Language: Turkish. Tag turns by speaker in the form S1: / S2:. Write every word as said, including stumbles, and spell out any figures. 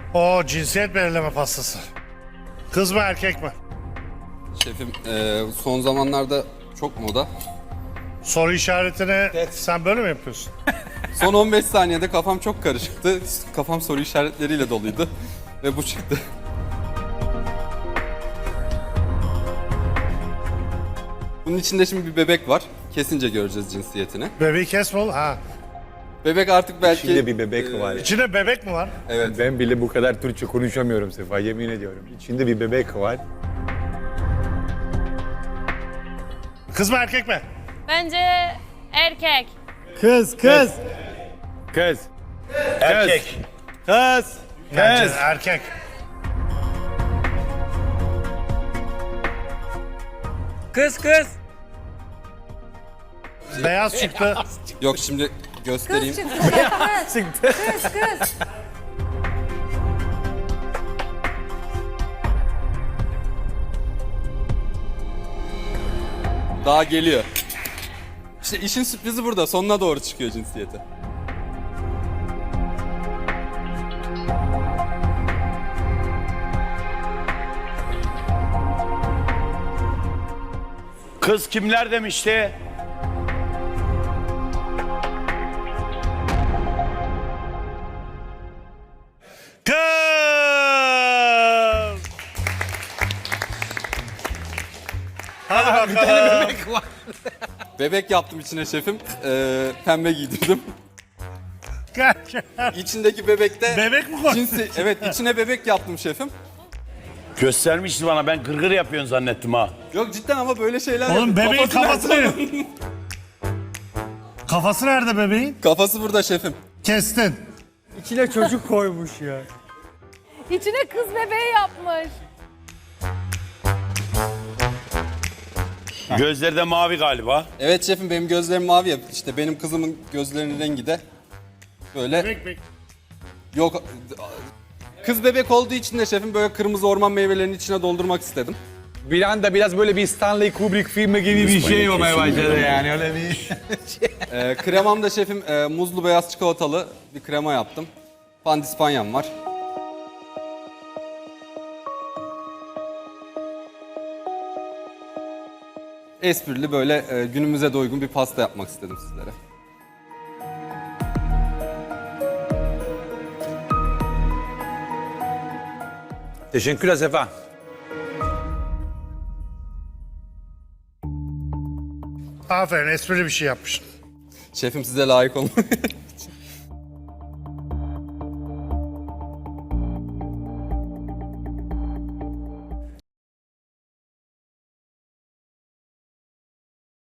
S1: O cinsiyet belirleme pastası. Kız mı erkek mi?
S2: Şefim e, son zamanlarda çok moda.
S1: Soru işaretini sen böyle mi yapıyorsun?
S2: Son on beş saniyede kafam çok karışıktı. Kafam soru işaretleriyle doluydu. Ve bu çıktı. Bunun içinde şimdi bir bebek var. Kesince göreceğiz cinsiyetini.
S1: Bebeği kesme oğlum. Ha.
S2: Bebek artık belki...
S3: İçinde bir bebek var.
S1: İçinde bebek mi var?
S2: Evet.
S3: Ben bile bu kadar Türkçe konuşamıyorum Sefa, yemin ediyorum. İçinde bir bebek var.
S1: Kız mı erkek mi?
S4: Bence erkek.
S5: Kız, kız.
S3: Kız.
S6: Erkek.
S5: Kız.
S1: Bence
S5: Kız.
S1: erkek.
S5: Kız, kız.
S1: Beyaz çıktı.
S2: Yok şimdi göstereyim.
S5: Çıktı.
S7: Kız kız.
S2: Daha geliyor. İşte işin sürprizi burada. Sonuna doğru çıkıyor cinsiyeti.
S6: Kız kimler demişti?
S1: Kız! Hadi bakalım.
S2: Bebek yaptım içine şefim. Ee, pembe giydirdim. İçindeki bebekte...
S1: Bebek mi koydun?
S2: Cinsi, evet içine bebek yaptım şefim.
S6: Göstermişti bana, ben gırgır yapıyorsun zannettim ha.
S2: Yok cidden ama böyle şeyler...
S1: Oğlum
S2: yapıyorum.
S1: bebeğin kafası
S2: nerede?
S1: nerede? Kafası nerede bebeğin?
S2: Kafası burada şefim.
S1: Kestin.
S5: İçine çocuk koymuş ya.
S7: İçine kız bebeği yapmış.
S6: Gözleri de mavi galiba.
S2: Evet şefim benim gözlerim mavi ya. İşte benim kızımın gözlerinin rengi de böyle...
S1: Bebek bebek.
S2: Yok... Kız bebek olduğu için de şefim böyle kırmızı orman meyvelerinin içine doldurmak istedim.
S5: Bir anda biraz böyle bir Stanley Kubrick filmi gibi bir şey olmaya başladı yani öyle bir.
S2: Ee, kremam da şefim e, muzlu beyaz çikolatalı bir krema yaptım. Pandispanyam var. Esprili böyle e, günümüze de uygun bir pasta yapmak istedim sizlere.
S3: Teşekkürler Sefa.
S1: Aferin esprili bir şey yapmışsın.
S2: Şefim size layık olun.